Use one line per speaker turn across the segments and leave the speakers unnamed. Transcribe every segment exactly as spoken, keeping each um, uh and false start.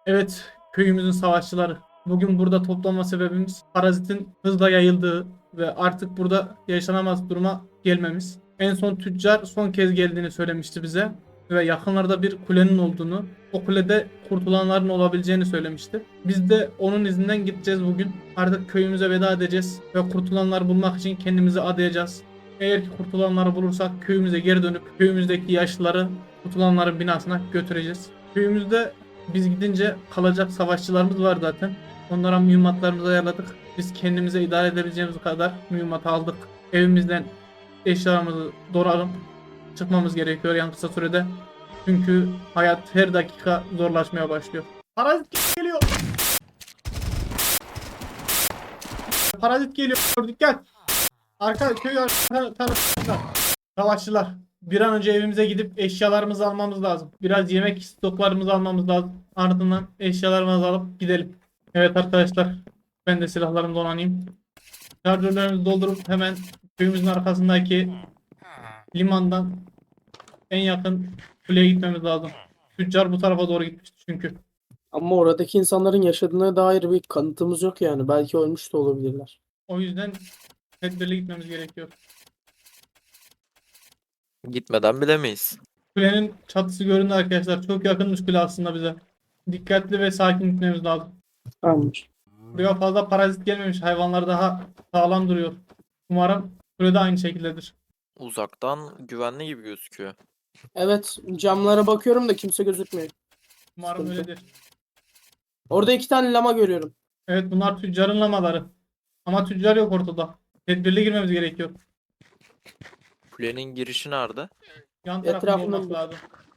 Evet, köyümüzün savaşçıları. Bugün burada toplanma sebebimiz parazitin hızla yayıldığı ve artık burada yaşanamaz duruma gelmemiz. En son tüccar son kez geldiğini söylemişti bize ve yakınlarda bir kulenin olduğunu, o kulede kurtulanların olabileceğini söylemişti. Biz de onun izinden gideceğiz bugün. Artık köyümüze veda edeceğiz ve kurtulanları bulmak için kendimizi adayacağız. Eğer ki kurtulanları bulursak köyümüze geri dönüp köyümüzdeki yaşlıları kurtulanların binasına götüreceğiz. Köyümüzde biz gidince kalacak savaşçılarımız var zaten. Onlara mühimmatlarımızı ayarladık. Biz kendimize idare edebileceğimiz kadar mühimmat aldık. Evimizden eşyalarımızı doğralım. Çıkmamız gerekiyor en kısa sürede. Çünkü hayat her dakika zorlaşmaya başlıyor. Parazit geliyor. Parazit geliyor. Dikkat. Arka köy arka tarafında. Savaşçılar. Bir an önce evimize gidip eşyalarımızı almamız lazım. Biraz yemek stoklarımızı almamız lazım. Ardından eşyalarımızı alıp gidelim. Evet arkadaşlar. Ben de silahlarımı donanayım. Şarjörlerimizi doldurup hemen köyümüzün arkasındaki limandan en yakın kuleye gitmemiz lazım. Tüccar bu tarafa doğru gitmişti çünkü.
Ama oradaki insanların yaşadığına dair bir kanıtımız yok yani. Belki ölmüş de olabilirler.
O yüzden tedbirli gitmemiz gerekiyor.
Gitmeden bilemeyiz.
Kulenin çatısı göründü arkadaşlar. Çok yakınmış kule aslında bize. Dikkatli ve sakin gitmemiz lazım.
Tamamdır.
Buraya fazla parazit gelmemiş. Hayvanlar daha sağlam duruyor. Umarım kule de aynı şekildedir.
Uzaktan güvenli gibi gözüküyor.
Evet, camlara bakıyorum da kimse gözükmüyor.
Umarım
Sıkıntı.
öyledir.
Orada iki tane lama görüyorum.
Evet bunlar tüccarın lamaları. Ama tüccar yok ortada. Tedbirli girmemiz gerekiyor.
Kulenin girişi nerede?
Yan tarafında
Etrafında
olması
mı?
lazım.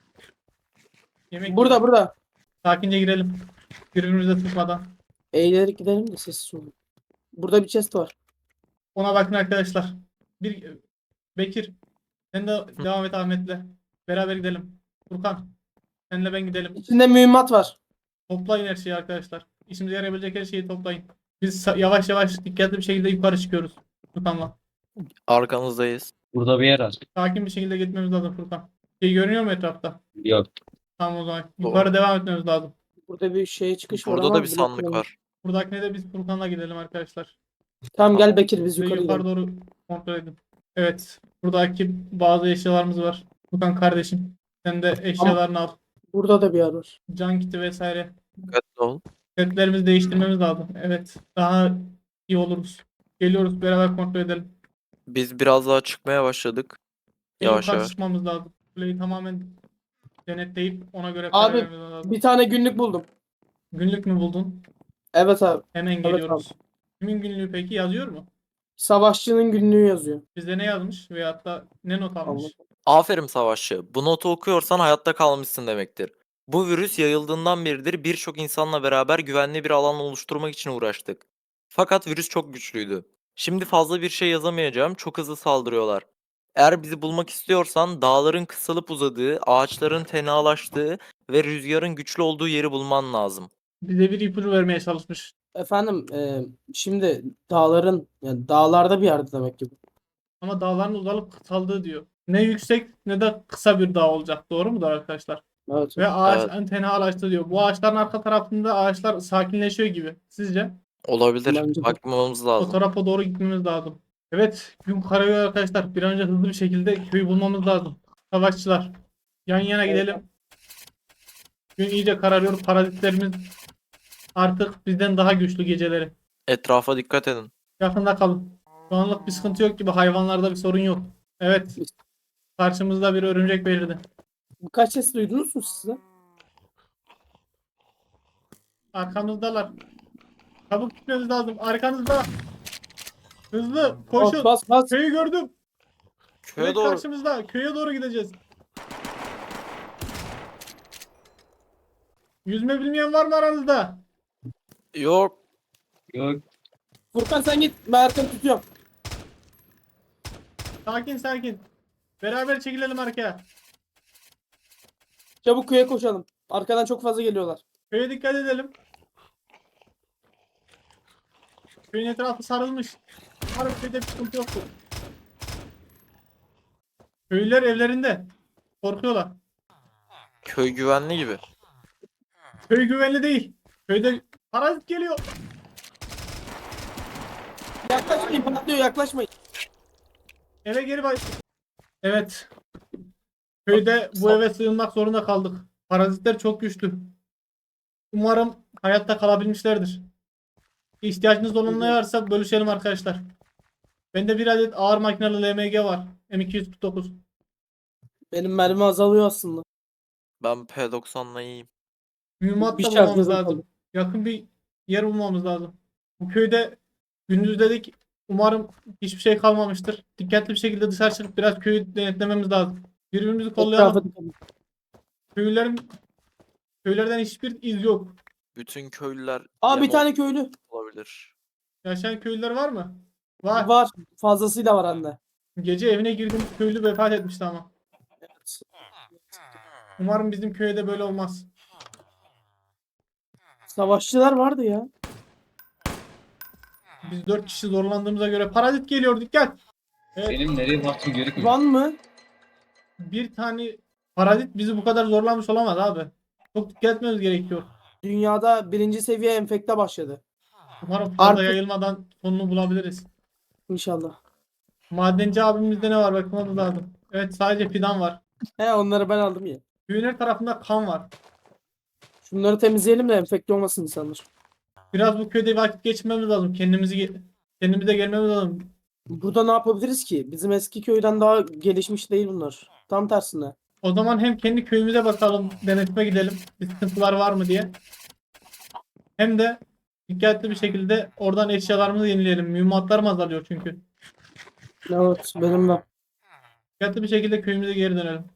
Yemek
Burada
yiyor.
burada.
Sakince girelim. Birbirimize sıkmadan.
Eğilerek gidelim de sessiz olun. Burada bir chest var.
Ona bakın arkadaşlar. Bir Bekir. Sen de devam et Ahmet'le. Beraber gidelim. Furkan. Senle ben gidelim.
İçinde mühimmat var.
Toplayın her şeyi arkadaşlar. İşimize yarayabilecek her şeyi toplayın. Biz sa- yavaş yavaş dikkatli bir şekilde yukarı çıkıyoruz. Furkan'la.
Arkanızdayız.
Burada bir yer var.
Sakin bir şekilde gitmemiz lazım Furkan. Şey görünüyor mu etrafta?
Yok.
Tamam o zaman.
Doğru.
Yukarı devam etmemiz lazım.
Burada bir şey çıkış var
Burada
ama
da bir sandık
bilmiyorum.
var.
Buradakine de biz Furkan'la gidelim arkadaşlar.
Tamam gel
Tamam.
Bekir biz
Ve
yukarı
yukarı
gidelim.
doğru kontrol edin. Evet. Buradaki bazı eşyalarımız var. Furkan kardeşim. Sen de eşyalarını al.
Burada da bir yer var.
Can kiti vesaire.
Dikkatli ol.
Setlerimizi değiştirmemiz lazım. Evet. Daha iyi oluruz. Geliyoruz beraber kontrol edelim.
Biz biraz daha çıkmaya başladık.
En
Yavaş
yukarı
yavaş.
çıkmamız lazım. Kuleyi tamamen denetleyip ona göre karar
Abi
vermemiz lazım.
bir tane günlük buldum.
Günlük mü buldun?
Evet abi.
Hemen
Evet
geliyoruz. Kimin günlüğü peki yazıyor mu?
Savaşçının günlüğü yazıyor.
Bizde ne yazmış veyahut da ne not almış?
Allah.
Aferin savaşçı. Bu notu okuyorsan hayatta kalmışsın demektir. Bu virüs yayıldığından beridir birçok insanla beraber güvenli bir alan oluşturmak için uğraştık. Fakat virüs çok güçlüydü. Şimdi fazla bir şey yazamayacağım. Çok hızlı saldırıyorlar. Eğer bizi bulmak istiyorsan dağların kısalıp uzadığı, ağaçların tenalaştığı ve rüzgarın güçlü olduğu yeri bulman lazım.
Bize bir ipucu vermeye çalışmış.
Efendim e, şimdi dağların yani dağlarda bir yerde demek ki bu.
Ama dağların uzalıp kısaldığı diyor. Ne yüksek ne de kısa bir dağ olacak. Doğru mudur arkadaşlar?
Evet.
Ve ağaç
Evet.
en tenalaştı diyor. Bu ağaçların arka tarafında ağaçlar sakinleşiyor gibi. Sizce?
Olabilir.
Bence de.
Bakmamız
O
lazım.
tarafa doğru gitmemiz lazım. Evet, gün kararıyor arkadaşlar. Bir an önce hızlı bir şekilde köyü bulmamız lazım. Savaşçılar. Yan yana gidelim. Gün iyice kararıyor. Parazitlerimiz artık bizden daha güçlü geceleri.
Etrafa dikkat edin.
Yakında kalın. Şu anlık bir sıkıntı yok gibi. Hayvanlarda bir sorun yok. Evet. Karşımızda bir örümcek belirdi.
Birkaç ses duydunuz mu siz de?
Arkamızdalar. Çabuk gitmemiz lazım. Arkanızda. Hızlı. Koşun.
Bas bas bas.
Köyü gördüm.
Köye
Direkt
doğru.
karşımızda. Köye doğru gideceğiz. Yüzme bilmeyen var mı aranızda?
Yok.
Yok.
Furkan sen git. Ben arkanı tutuyorum.
Sakin sakin. Beraber çekilelim arkaya.
Çabuk köye koşalım. Arkadan çok fazla geliyorlar.
Köye dikkat edelim. Köyün etrafı sarılmış. Umarım köyde bir sıkıntı yoktur. Köylüler evlerinde. Korkuyorlar.
Köy güvenli gibi.
Köy güvenli değil. Köyde parazit geliyor.
Yaklaşmayın, patlıyor, yaklaşmayın.
Eve geri bak. Evet. Köyde bu eve sığınmak zorunda kaldık. Parazitler çok güçlü. Umarım hayatta kalabilmişlerdir. İhtiyacınız olan ne varsa bölüşelim arkadaşlar. Bende bir adet ağır makinalı L M G var. M iki yüz kırk dokuz.
Benim mermi azalıyor aslında.
Ben P doksanla iyiyim.
Mühimmat
Bir
da bulmamız
şarjörüm
lazım.
kaldı.
Yakın bir yer bulmamız lazım. Bu köyde gündüz dedik. Umarım hiçbir şey kalmamıştır. Dikkatli bir şekilde dışarı çıkıp biraz köyü denetlememiz lazım. Birbirimizi
Etrafa
kollayalım.
dikkat edin.
Köylerin köylerden hiçbir iz yok.
Bütün köylüler
Aa, bir
yem
tane köylü.
olabilir.
Yaşayan köylüler var mı? Var.
Var. Fazlasıyla var anne.
Gece evine girdiğimiz köylü vefat etmişti ama. Umarım bizim köyde böyle olmaz.
Savaşçılar vardı ya.
Biz dört kişi zorlandığımıza göre parazit geliyor, dikkat. Evet,
Benim nereye baktığım gerekmiyor.
Van mı?
bir tane parazit bizi bu kadar zorlamış olamaz abi. Çok dikkat etmemiz gerekiyor.
Dünyada birinci seviye enfekte başladı.
Umarım fazla
Artık-
yayılmadan sonunu bulabiliriz.
İnşallah.
Madenci abimizde ne var bakmamız lazım. Evet, sadece fidan var.
He, onları ben aldım ya.
Köyün her tarafında kan var.
Şunları temizleyelim de enfekte olmasın insanlar.
Biraz bu köyde vakit geçirmemiz lazım. Kendimizi ge- kendimize gelmemiz lazım.
Burada ne yapabiliriz ki? Bizim eski köyden daha gelişmiş değil bunlar. Tam tersine.
O zaman hem kendi köyümüze bakalım, denetime gidelim. Bir sıkıntılar var mı diye. Hem de dikkatli bir şekilde oradan eşyalarımızı yenileyelim. Mühimmatlarım azalıyor çünkü.
Evet, benim de.
Dikkatli bir şekilde köyümüze geri dönelim.